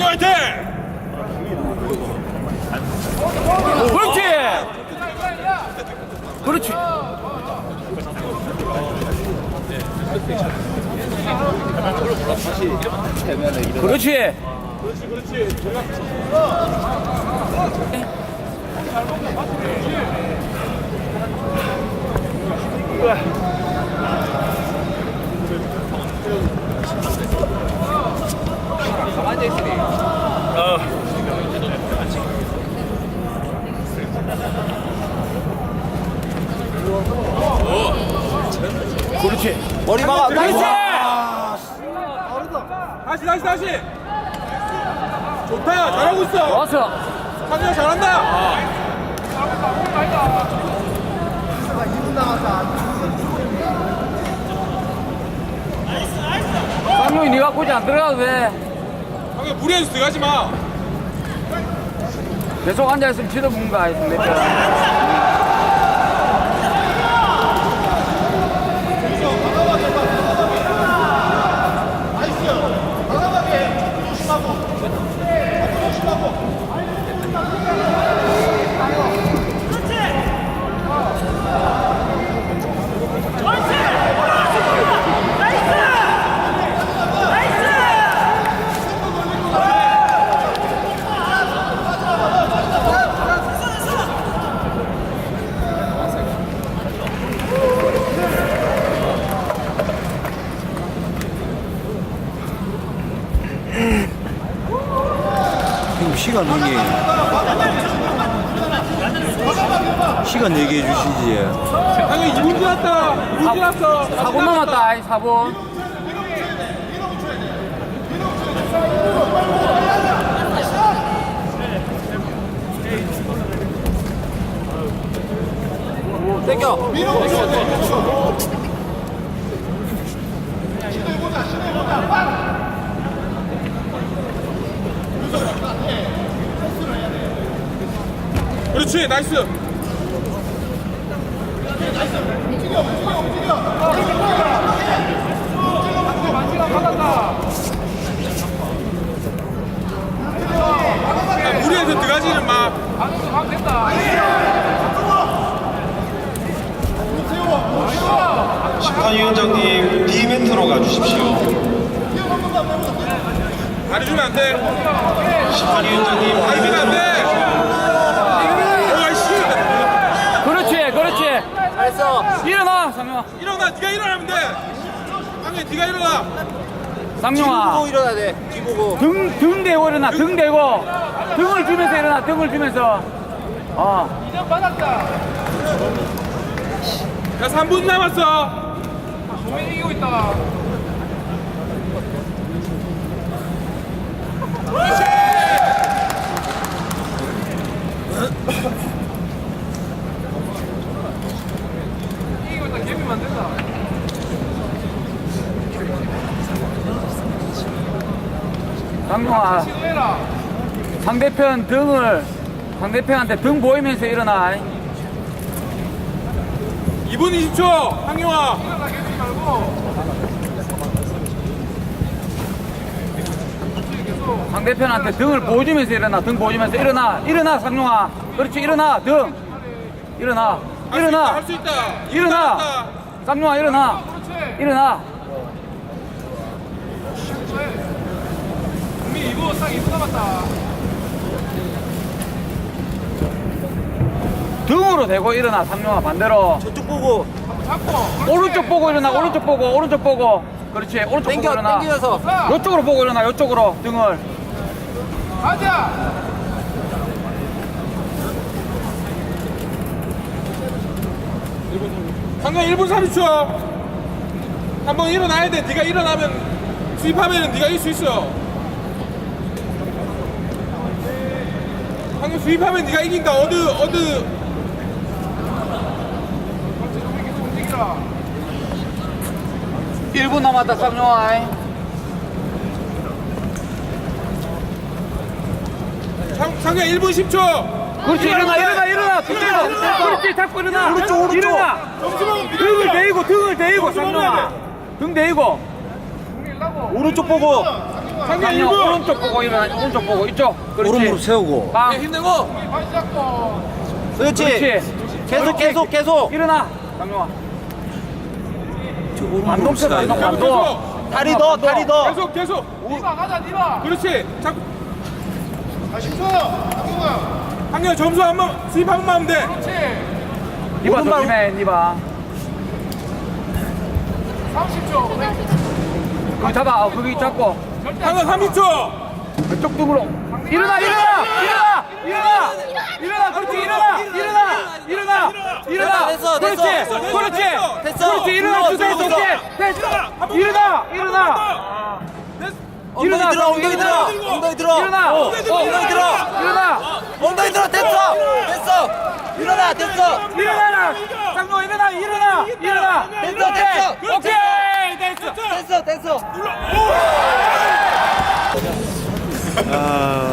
화이팅! 그렇지. 그렇지. 그렇지. 그렇지. 머리 막아. 그렇지. 다시. 좋다. 잘하고 있어. 좋았어. 상현 잘한다. 쌍용이 네가 굳이 안 들어가도 돼. 상현 무리해서 들어가지 마. 계속 앉아있으면 지도 뭔가 했습니다. 시간 얘기해. 시간 얘기해 주시지. 상현 2분 지났다. 2분 지났어. 4분 남았다. 4분. 땡겨. 그렇지. 나이스. 무리해서 들어가지는 마. 심판위원장님 B멘트로 가주십시오. 다리 주면 안 돼. 심판위원장님 다리 주면 안 돼. 그렇지. 잘했어. 일어나, 상용아. 일어나. 네가 일어나면 돼. 상현 네가 일어나. 상용아. 뒤보고 일어나야 돼. 뒤보고. 등 대고 일어나. 등 대고. 등을 주면서 일어나. 등을 주면서. 야 3분 남았어. 상용아. 상대편한테 등 보이면서 일어나. 2분 20초. 상용아. 상대편한테 등을 보여주면서 일어나. 등 보여주면서 일어나 상용아. 그렇지. 일어나. 등 일어나. 할 수 있다. 일어나. 쌍용아 일어나. 일어나. 이거 딱 2분 남았다. 등으로 대고 일어나. 상용아 반대로. 저쪽 보고. 오른쪽 보고 일어나. 오른쪽 보고. 그렇지. 오른쪽 보고 일어나. 땡겨서. 요쪽으로 보고 일어나. 요쪽으로 등을. 가자. 상현 1분 30초. 한번 일어나야 돼. 네가 일어나면 수입하면 네가 이길 수 있어. 상현 수입하면 네가 이긴다. 어드. 1분 남았다. 쌍용아. 상현 1분 10초. 그렇지. 일어나. 등 대고. 그렇지. 잡고 일어나. 오른쪽. 일어나. 등을 대고 쌍용아. 등 대고. 오른쪽 보고. 상경 상룡 1분. 오른쪽 보고 일어나. 오른쪽 보고 이쪽. 그렇지. 오른무릎 세우고. 빵. 힘내고. 그렇지. 그렇지. 계속. 일어나. 상룡아. 저 오른무릎 반동 쳐. 세워야 반동. 돼. 반동. 다리 더, 다리 더. 계속. 니가 가자, 니가. 그렇지. 자꾸. 10초. 상경 점수 한번 수입 한 번만 하면 돼. 니바 오른발. 조심해. 니바. 30초. 거기 잡아. 거기 잡고. 상경 30초. 왼쪽 등으로. 일어나. 됐어. 그렇지. 됐어. 그렇지. 일어나. 주세요. 됐어. 일어나. 엉덩이 들어, 엉덩이 들어. 엉덩이 들어. 일어나. 엉덩이 들어. 일어나. 엉덩이 들어. 됐어. 일어나, 됐어. 일어나라. 쌍노 일어나. 됐어. 오케이. 됐어. 됐어. 눌러. 오!